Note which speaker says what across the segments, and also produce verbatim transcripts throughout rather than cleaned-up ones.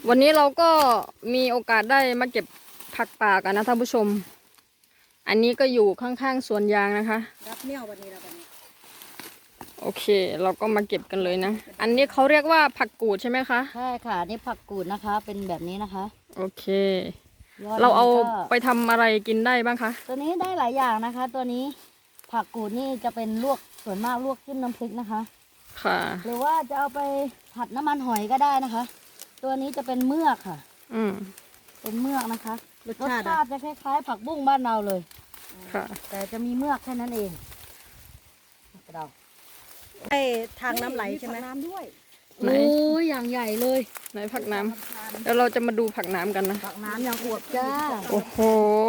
Speaker 1: วันนี้เราก็มีโอกาสได้มาเก็บผักป่ากันนะท่านผู้ชมอันนี้ก็อยู่ข้างๆสวนยางนะคะ
Speaker 2: รับเนี่ยวันนี้เราวันนี้
Speaker 1: โอเคเราก็มาเก็บกันเลยนะอันนี้เขาเรียกว่าผักกูดใช่ไหมคะ
Speaker 2: ใช่ค่ะนี่ผักกูดนะคะเป็นแบบนี้นะคะ
Speaker 1: โอเคเราเอาไปทำอะไรกินได้บ้างคะ
Speaker 2: ตัวนี้ได้หลายอย่างนะคะ ตัวนี้ผักกูดนี่จะเป็นลวกส่วนมากลวกจิ้มน้ำพริกนะคะ
Speaker 1: ค่ะ
Speaker 2: หรือว่าจะเอาไปผัดน้ำมันหอยก็ได้นะคะตัวนี้จะเป็นเมือกค่ะ
Speaker 1: อืม
Speaker 2: เป็นเมือกนะคะรสชาติจะคล้ายๆผักบุ้งบ้านเราเลย
Speaker 1: ค่ะ
Speaker 2: แต่จะมีเมือกแค่นั้นเองเราไอ้ทางน้ำไหลใช่ไหมน้ำด้วยโอ้ยอย่างใหญ่เลย
Speaker 1: ไหนผักน้ำแล้วเราจะมาดูผักน้ำกันนะ
Speaker 2: ผักน้ำอย่างอวบจ้า
Speaker 1: โอ้โห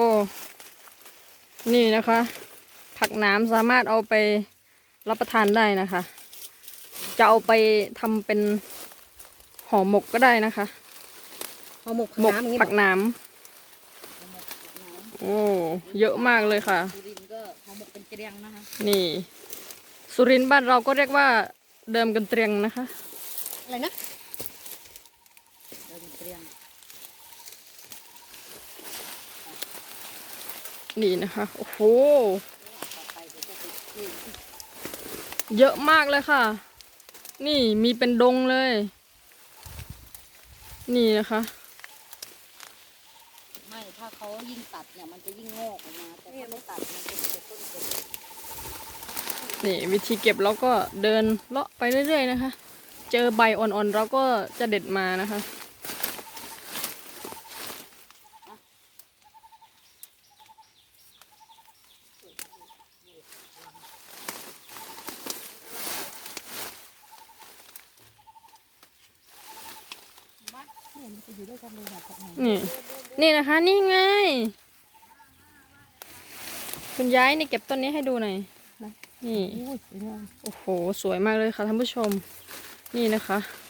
Speaker 1: นี่นะคะ ผักน้ำสามารถเอาไปรับประทานได้นะคะจะเอาไปทำเป็นห่อหมกก็ได้นะคะ
Speaker 2: ห่อหมก
Speaker 1: หมกผักน้ำโอ้เยอะมากเลยค่ะ
Speaker 2: สุรินทร์ก็ห่อหมกเป็นเกลียงนะคะ
Speaker 1: นี่สุรินทร์บ้านเราก็เรียกว่าเดิมกันเตรียงนะคะ
Speaker 2: อะไรนะเดิมเตรียง
Speaker 1: นี่นะคะโอ้โหเยอะมากเลยค่ะนี่มีเป็นดงเลยนี่นะคะ
Speaker 2: ไม่ถ้าเขายิ่งตัดเนี่ยมันจะยิ่งงอกออกมาแต่ถ้าไม่ตัดมันจะเก็บต้นเก็บ
Speaker 1: นี่วิธีเก็บเราก็เดินเลาะไปเรื่อยๆนะคะเจอใบอ่อนๆเราก็จะเด็ดมานะคะนี่นี่นะคะนี่ไงคุณย้ายนี่เก็บต้นนี้ให้ดูหน่อยนี่โอ้โหสวยมากเลยค่ะท่านผู้ชมนี่นะคะ